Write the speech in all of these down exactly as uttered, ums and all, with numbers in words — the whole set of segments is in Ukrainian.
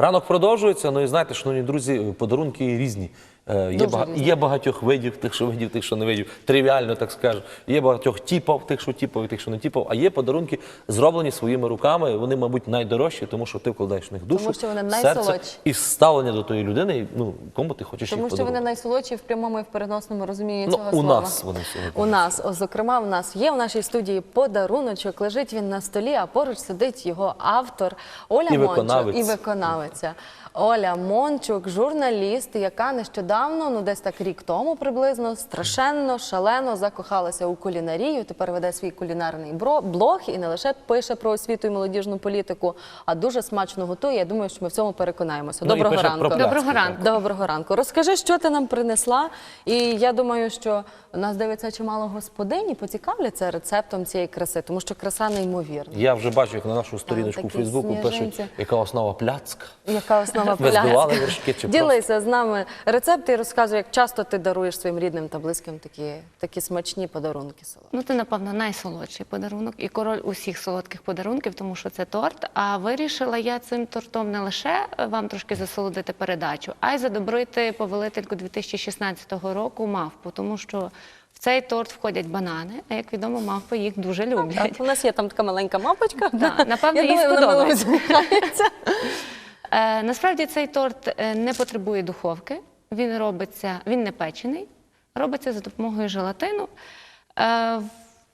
Ранок продовжується, ну і знаєте, шановні друзі, подарунки різні. Е, є, бага... є багатьох видів, тих, що видів, тих, що не видів, тривіально, так скажу. Є багатьох типів, тих, що типів, тих, що не типів. А є подарунки, зроблені своїми руками. Вони, мабуть, найдорожчі, тому що ти вкладаєш в них душу, тому що вони серце найсолодші. І ставлення до тої людини, ну, кому ти хочеш Тому їх що подарувати. вони найсолодші в прямому і в переносному розумінні Ну, цього у слова. нас вони сьогодні. У нас, о, зокрема, в нас є в нашій студії подаруночок, лежить він на столі, а поруч сидить його автор Оля І Мончук. виконавець. І виконавиця. Оля Мончук, журналіст, яка нещодавно, ну десь так рік тому приблизно, страшенно, шалено закохалася у кулінарію, тепер веде свій кулінарний бро- блог і не лише пише про освіту і молодіжну політику, а дуже смачно готує. Я думаю, що ми в цьому переконаємося. Ну, і Доброго пише ранку. про пляцки, Доброго так. ранку. Доброго ранку. Розкажи, що ти нам принесла. І я думаю, що нас дивиться чимало господині, поцікавляться рецептом цієї краси, тому що краса неймовірна. Я вже бачу, як на нашу сторіночку у такі Фейсбуку пишуть, сніжинці. яка основа пляцка. Яка основа Ви збивали пляцка? вершки чи Ділися з нами рецепти і розказуй, як часто ти даруєш своїм рідним та близьким такі, такі смачні подарунки солодкі. Ну, це, напевно, найсолодший подарунок і король усіх солодких подарунків, тому що це торт. А вирішила я цим тортом не лише вам трошки засолодити передачу, а й задобрити повелительку дві тисячі шістнадцятого року мавпу, тому що в цей торт входять банани, а як відомо, мавпи їх дуже люблять. Так, у нас є там така маленька мапочка. Да, напевно, Я їй думаю, вона мило сподобається. усміхається. Е, насправді цей торт е, не потребує духовки, він робиться, він не печений, робиться за допомогою желатину. Е,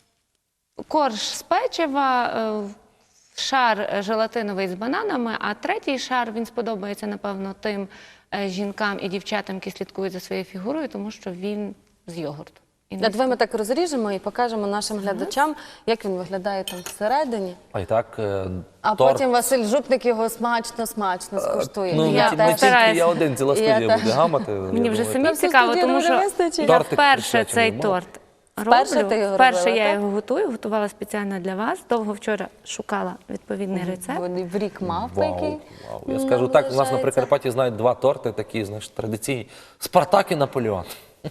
корж з печива, е, шар желатиновий з бананами, а третій шар, він сподобається, напевно, тим е, жінкам і дівчатам, які слідкують за своєю фігурою, тому що він з йогурту. І не Давай ми так розріжемо і покажемо нашим глядачам, як він виглядає там всередині. А і так, е, А торт. потім Василь Жупник його смачно-смачно скуштує. Ну, І не, я ті- теж. не тільки стараюсь. я один, ціла Я студія теж. буде гамати. Мені я вже думаю, самі так. Всю цікаво, студію тому вже що вистачить. я Тортик вперше присвячений цей мові. торт Вперше роблю. ти його Вперше робила, я так? його готую, готувала спеціально для вас. Довго вчора шукала відповідний рецепт. Вони в рік мавпи, який Вау, вау. Я скажу так, у нас на наближається. Прикарпатті знають два торти такі, знаєш, традиційні. Спартак і Наполеон.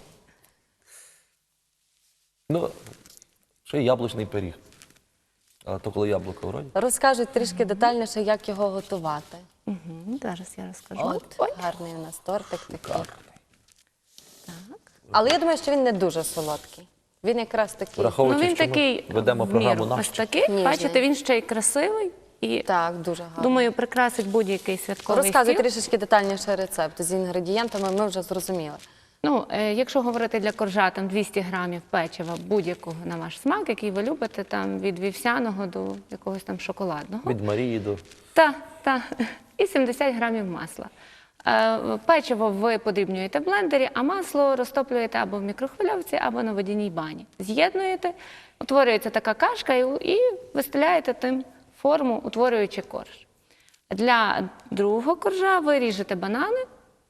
Ну, ще й яблучний пиріг. Але то коли яблуко вроді. Розкажуть трішки детальніше, як його готувати. Угу, зараз я розкажу. От, Ой. гарний у нас тортик такий. Так. Так. Але я думаю, що він не дуже солодкий. Він якраз такий. Ну, Враховуючи, він що ми такий ведемо в програму міру. Ось «Навчик». такий. Ніжний. Бачите, він ще й красивий. І, Так, дуже гарний. думаю, прикрасить будь-який святковий Розказуй стіл. трішечки детальніше рецепт. З інгредієнтами ми вже зрозуміли. Ну, е, якщо говорити для коржа, там двісті грамів печива будь-якого на ваш смак, який ви любите, там від вівсяного до якогось там шоколадного. Від Марії до... Так, так. І сімдесят грамів масла. Е, Печиво ви подрібнюєте в блендері, а масло розтоплюєте або в мікрохвильовці, або на водяній бані. З'єднуєте, утворюється така кашка і, і вистеляєте тим форму, утворюючи корж. Для другого коржа ви ріжете банани,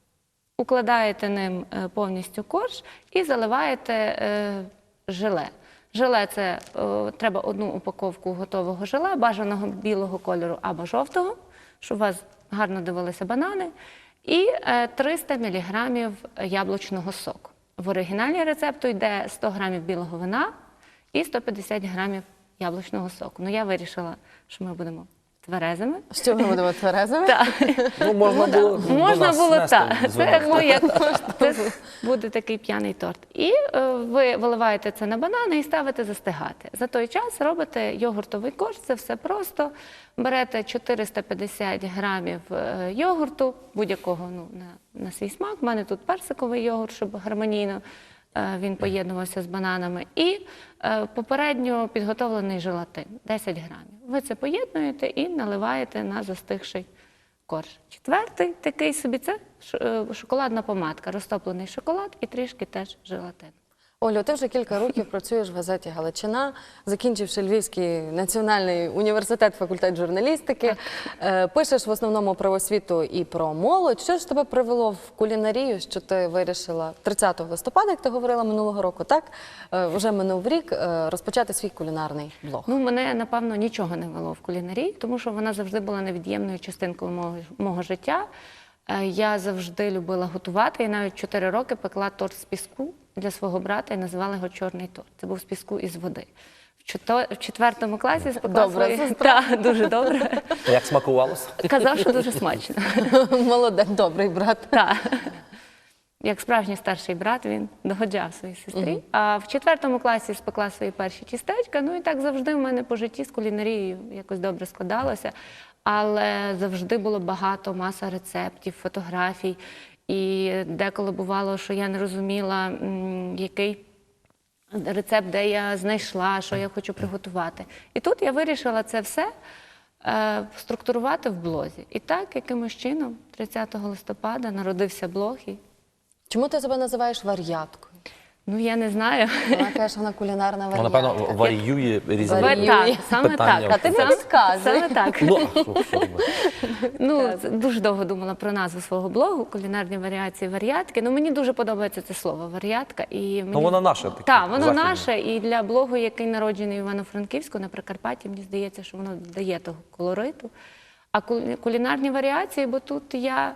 укладаєте ним е, повністю корж і заливаєте е, желе. Желе – це е, треба одну упаковку готового желе, бажаного білого кольору або жовтого, щоб у вас гарно дивилися банани, і е, триста міліграмів яблучного соку. В оригінальній рецепту йде сто грамів білого вина і сто п'ятдесят грамів яблучного соку. Ну, я вирішила, що ми будемо тверезими. Що ми будемо тверезими? Так. Ну, можна було до Можна нас було нести так. з Це, вином. ну, як, це буде такий п'яний торт. І е, ви виливаєте це на банани і ставите застигати. За той час робите йогуртовий корж, це все просто. Берете чотириста п'ятдесят грамів е, йогурту, будь-якого ну, на, на свій смак. У мене тут персиковий йогурт, щоб гармонійно е, він поєднувався з бананами. І е, попередньо підготовлений желатин, десять грамів. Ви це поєднуєте і наливаєте на застигший корж. Четвертий такий собі – це шоколадна помадка, розтоплений шоколад і трішки теж желатин. Олю, ти вже кілька років працюєш в газеті «Галичина», закінчивши Львівський національний університет, факультет журналістики. Е, Пишеш в основному про освіту і про молодь. Що ж тебе привело в кулінарію, що ти вирішила тридцятого листопада, як ти говорила минулого року, так? Е, Вже минув рік, е, розпочати свій кулінарний блог. Ну, мене, напевно, нічого не вело в кулінарії, тому що вона завжди була невід'ємною частинкою мого, мого життя. Е, Я завжди любила готувати, і навіть чотири роки пекла торт з піску для свого брата і називала його «Чорний торт». Це був з піску і з води. чото- в четвертому класі спекла Добра свої... сестра. Так, дуже добре. Як смакувалося? Казав, що дуже смачно. Молодець, добрий брат. Так. Як справжній старший брат, він догоджав своїй сестрі. А в четвертому класі спекла свої перші тістечка. Ну і так завжди в мене по житті з кулінарією якось добре складалося. Але завжди було багато, маса рецептів, фотографій. І деколи бувало, що я не розуміла, м, який рецепт, де я знайшла, що я хочу приготувати. І тут я вирішила це все е, структурувати в блозі. І так, якимось чином, тридцятого листопада народився блог. І, Чому ти себе називаєш вар'яткою? ну, я не знаю. Вона каже, що вона кулінарна Ну, вар'ятка. напевно, варіює різні Варіює. Ви так, саме питання. так. А ти Сам- не підказуй. Саме так. Ну, а що, що робити? Ну, це дуже довго думала про назву свого блогу «Кулінарні варіації вар'ятки». Ну, мені дуже подобається це слово «вар'ятка». І мені... Ну, воно наше таке, Так, воно західне. наше. І для блогу, який народжений в Івано-Франківську, на Прикарпатті, мені здається, що воно дає того колориту. А кулі- кулінарні варіації, бо тут я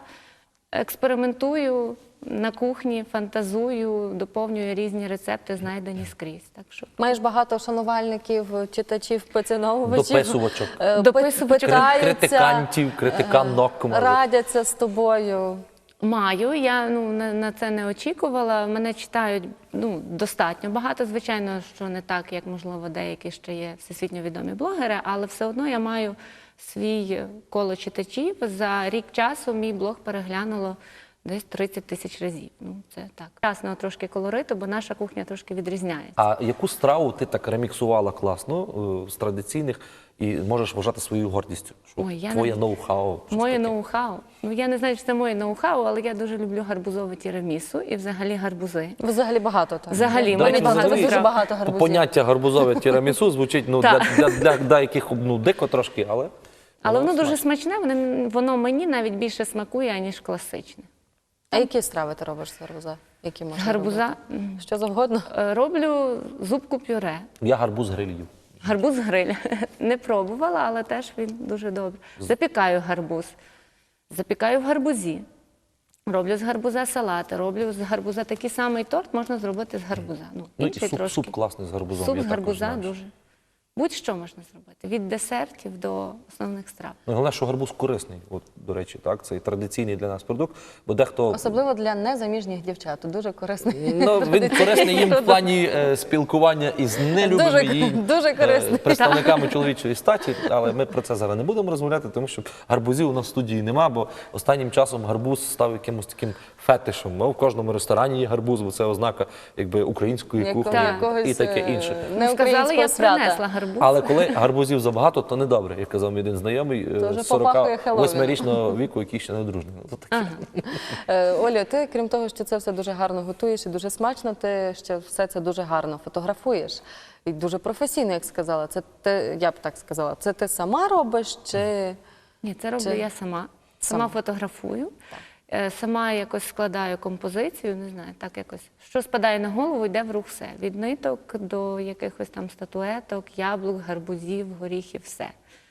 експериментую на кухні, фантазую, доповнюю різні рецепти, знайдені скрізь. Так що Маєш багато шанувальників, читачів, поціновувачів. Дописувачок. Е, пи- Дописувачок. питаються, Критикантів, критиканок, може. радяться з тобою. маю, я ну, на, на це не очікувала. Мене читають ну, достатньо багато. Звичайно, що не так, як, можливо, деякі ще є всесвітньо відомі блогери, але все одно я маю свій коло читачів. За рік часу мій блог переглянуло десь тридцять тисяч разів. Ну, це так. Красного трошки колориту, бо наша кухня трошки відрізняється. А яку страву ти так реміксувала класно е, з традиційних і можеш вважати своєю гордістю? Що Ой, я твоє не- ноу-хау? щось Моє таке? ноу-хау. Ну, я не знаю, чи це моє ноу-хау, але я дуже люблю гарбузове тірамісу і взагалі гарбузи. Взагалі багато там. Взагалі, До мене речі, багато взагалі, дуже багато по- гарбузів. Поняття гарбузове тірамісу звучить ну, для, Так. для, для деяких ну, дико трошки, але... Але ну, воно дуже смачно. смачне, воно, воно мені навіть більше смакує, аніж класичне. А які страви ти робиш з гарбуза? Які можна З гарбуза робити? м, Що завгодно? е, роблю зубку пюре. Я гарбуз грилью. Гарбуз гриль. Не пробувала, але теж він дуже добре. Запікаю гарбуз. Запікаю в гарбузі. Роблю з гарбуза салати, роблю з гарбуза такий самий торт можна зробити з гарбуза. Ну, Ну, і інший суп, трошки. суп класний з гарбузом. Суп я з також гарбуза знаю. дуже. Будь-що можна зробити. Від десертів до основних страв. Ну, головне, що гарбуз корисний, от, до речі, так, це і традиційний для нас продукт, бо дехто... Особливо для незаміжніх дівчат. Дуже корисний. Ну, він корисний їм в плані е, спілкування із нелюбими Дуже- їм дуже е, корисний. представниками чоловічої статі, але ми про це зараз не будемо розмовляти, тому що гарбузів у нас в студії нема, бо останнім часом гарбуз став якимось таким фетишем. Ну, в кожному ресторані є гарбуз, бо це ознака якби, української Якого- кухні якогось, і таке е, інше. Не Сказали, я українського свята. принесла гарбуз. Але коли гарбузів забагато, то не добре, як казав мій один знайомий То вже е, попахує Хеллоуіном. сорок-восьмирічного віку, який ще не одружений. Ну, то таке. Е, Оля, ти, крім того, що це все дуже гарно готуєш і дуже смачно, ти ще все це дуже гарно фотографуєш. І дуже професійно, як сказала. Це ти, я б так сказала, це ти сама робиш чи... Ні, це роблю Чи- я сама. Сама. Сама фотографую, е, сама якось складаю композицію, не знаю, так якось. Що спадає на голову, йде в рух все. Від ниток до якихось там статуеток, яблук, гарбузів, горіхів, все.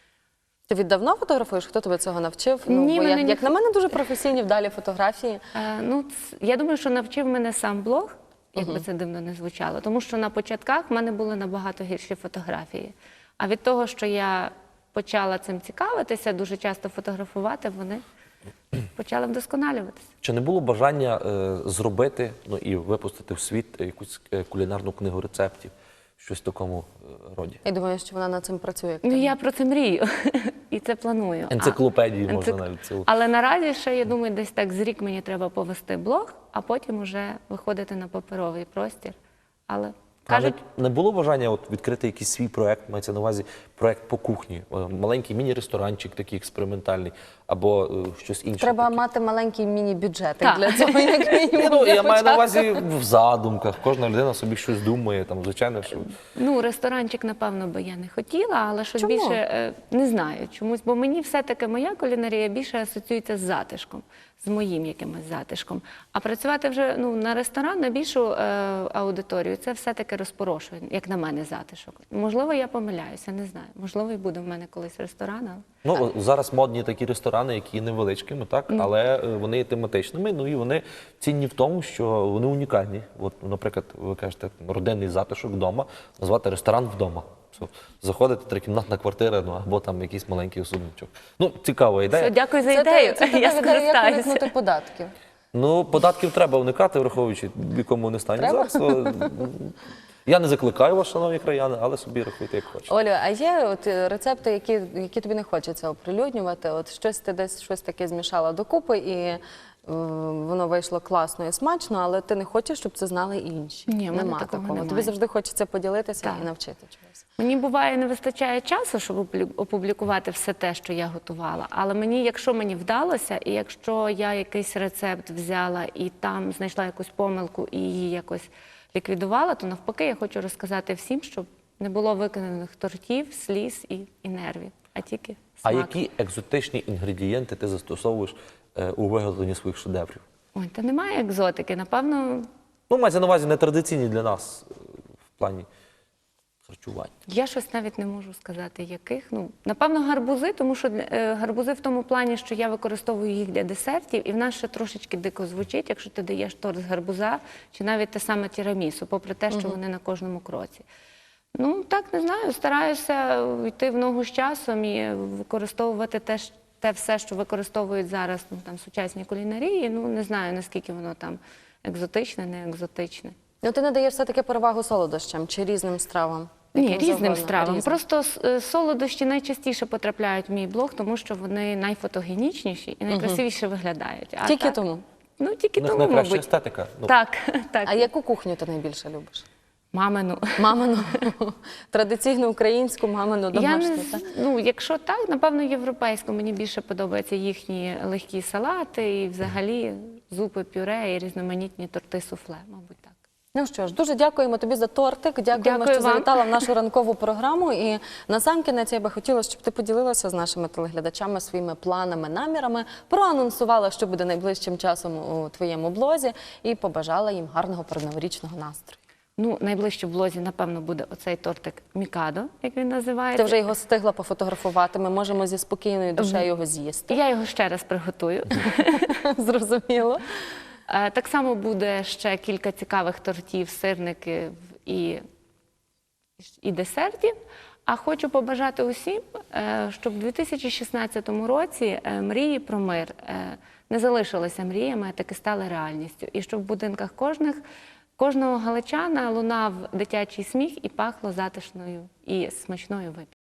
Ти віддавно фотографуєш? Хто тебе цього навчив? Ні, бо мене як, ніхто- як на мене, дуже професійні вдалі фотографії. Е, ну, ц- я думаю, що навчив мене сам блог, як би це дивно не звучало, тому що на початках в мене були набагато гірші фотографії. А від того, що я почала цим цікавитися, дуже часто фотографувати, вони почали вдосконалюватися. Чи не було бажання е, зробити ну, і випустити в світ якусь е, кулінарну книгу рецептів, щось в такому е, роді? Я думаю, що вона над цим працює. як Ну, ти. я про це мрію і це планую. А- Енциклопедії можна енцик- навіть цілу. Але наразі ще, я думаю, десь так з рік мені треба повести блог, а потім уже виходити на паперовий простір. Але А не, кажуть, не було бажання от, відкрити якийсь свій проект, мається на увазі проект по кухні, е, маленький міні-ресторанчик такий експериментальний, або е, щось інше. Треба таке. мати маленький міні-бюджетик Так. для цього, як мінімум. Ну, для я маю на початку. увазі в задумках, кожна людина собі щось думає, там, звичайно, що... ну, ресторанчик, напевно, би я не хотіла, але щось Чому? більше е, не знаю чомусь, бо мені все-таки моя кулінарія більше асоціюється з затишком, з моїм якимось затишком. А працювати вже ну, на ресторан, на більшу е, аудиторію, це все-таки розпорошує, як на мене, затишок. Можливо, я помиляюся, не знаю. Можливо, і буде в мене колись ресторан, але... Ну, о, зараз модні такі ресторани, які є невеличкими, так, але е, вони є тематичними, ну і вони цінні в тому, що вони унікальні. От, наприклад, ви кажете, родинний затишок вдома, назвати ресторан вдома. Все. Заходите, трикімнатна квартира, ну або там якийсь маленький особнячок. Ну, цікава ідея. Все, дякую за Це ідею. ти- це тебе Я ідея, як скористаюся. уникнути податків. Ну, податків треба уникати, враховуючи, в якому не стані Треба? зараз. то, Я не закликаю вас, шановні краяни, але собі рахуйте, як хочете. Олю, а є от е, рецепти, які, які тобі не хочеться оприлюднювати? От щось ти десь щось таке змішала докупи, і е, воно вийшло класно і смачно, але ти не хочеш, щоб це знали і інші. Ні, в мене Нема такого такого. немає. Тобі завжди хочеться поділитися Так. і навчити чогось. Мені буває не вистачає часу, щоб опублі- опублікувати все те, що я готувала. Але мені, якщо мені вдалося, і якщо я якийсь рецепт взяла і там знайшла якусь помилку і її якось ліквідувала, то навпаки я хочу розказати всім, щоб не було виконаних тортів, сліз і, і нервів, а тільки А смак. які екзотичні інгредієнти ти застосовуєш е, у виготовленні своїх шедеврів? Ой, та немає екзотики. Напевно, Ну, мається на увазі нетрадиційні для нас е, в плані харчування. я щось навіть не можу сказати, яких. Ну, напевно, гарбузи, тому що е, гарбузи в тому плані, що я використовую їх для десертів, і в нас ще трошечки дико звучить, якщо ти даєш торт з гарбуза, чи навіть те саме тірамісу, попри те, що вони на кожному кроці. Ну, так, не знаю, стараюся йти в ногу з часом і використовувати те, ж- те все, що використовують зараз ну, там, сучасні кулінарії. Ну, не знаю, наскільки воно там екзотичне, не екзотичне. Ну, ти надаєш все-таки перевагу солодощам чи різним стравам? Ні, Яким різним завгодно? стравам. Різним. Просто с- е, солодощі найчастіше потрапляють в мій блог, тому що вони найфотогенічніші і найкрасивіше виглядають. А Тільки так- тому? Ну, тільки У них тому, найкраща мабуть. естетика. Ну, Так, так. А яку кухню ти найбільше любиш? Мамину. Мамину, традиційну українську, мамину, Я домашню, не, так? з- ну, якщо так, напевно, європейську. Мені більше подобаються їхні легкі салати і взагалі зупи, пюре і різноманітні торти суфле, мабуть, так. Ну що ж, дуже дякуємо тобі за тортик. Дякуємо, Дякую що вам. завітала в нашу ранкову програму. І насамкінець я би хотіла, щоб ти поділилася з нашими телеглядачами своїми планами, намірами, проанонсувала, що буде найближчим часом у твоєму блозі, і побажала їм гарного передноворічного настрою. Ну, найближче в блозі, напевно, буде оцей тортик Мікадо, як він називається. Ти вже його встигла пофотографувати. Ми можемо зі спокійною душею його з'їсти. Я його ще раз приготую. Зрозуміло. Е, Так само буде ще кілька цікавих тортів, сирників і, і десертів. А хочу побажати усім, е, щоб у дві тисячі шістнадцятому році е, мрії про мир е, не залишилися мріями, а таки стали реальністю. І щоб в будинках кожних, кожного галичана лунав дитячий сміх і пахло затишною і смачною випічкою.